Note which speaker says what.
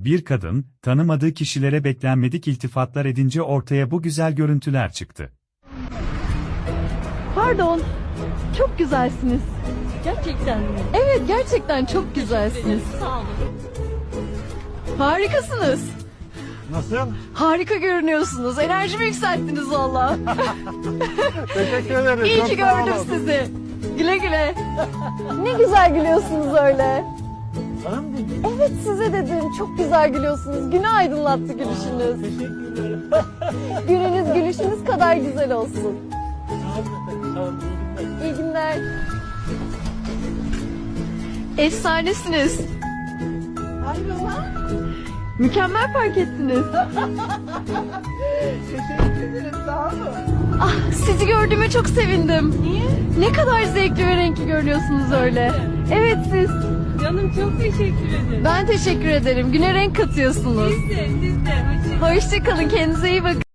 Speaker 1: Bir kadın, tanımadığı kişilere beklenmedik iltifatlar edince ortaya bu güzel görüntüler çıktı.
Speaker 2: Pardon, çok güzelsiniz.
Speaker 3: Gerçekten mi?
Speaker 2: Evet, gerçekten çok güzelsiniz.
Speaker 3: Sağ olun.
Speaker 2: Harikasınız.
Speaker 4: Nasıl?
Speaker 2: Harika görünüyorsunuz. Enerjimi yükselttiniz valla.
Speaker 4: Teşekkür ederim.
Speaker 2: İyi
Speaker 4: çok
Speaker 2: ki
Speaker 4: sağ
Speaker 2: gördüm
Speaker 4: olun.
Speaker 2: sizi. Güle güle. Ne güzel gülüyorsunuz öyle.
Speaker 4: Bana mı dedin?
Speaker 2: Evet, size dedim. Çok güzel gülüyorsunuz. Günü aydınlattı gülüşünüz.
Speaker 4: Teşekkür ederim.
Speaker 2: Gününüz gülüşünüz kadar güzel olsun.
Speaker 4: Sağ olun efendim. Sağ olun.
Speaker 2: İyi günler. Efsanesiniz.
Speaker 4: Hayrola?
Speaker 2: Mükemmel fark ettiniz.
Speaker 4: Teşekkür ederim. Sağ olun.
Speaker 2: Ah, sizi gördüğüme çok sevindim.
Speaker 3: Niye?
Speaker 2: Ne kadar zevkli ve renkli görünüyorsunuz öyle. Evet siz.
Speaker 3: Canım çok teşekkür ederim.
Speaker 2: Ben teşekkür ederim. Güne renk katıyorsunuz.
Speaker 3: Siz de. Hoşçakalın.
Speaker 2: Hoşçakalın. Kendinize iyi bakın.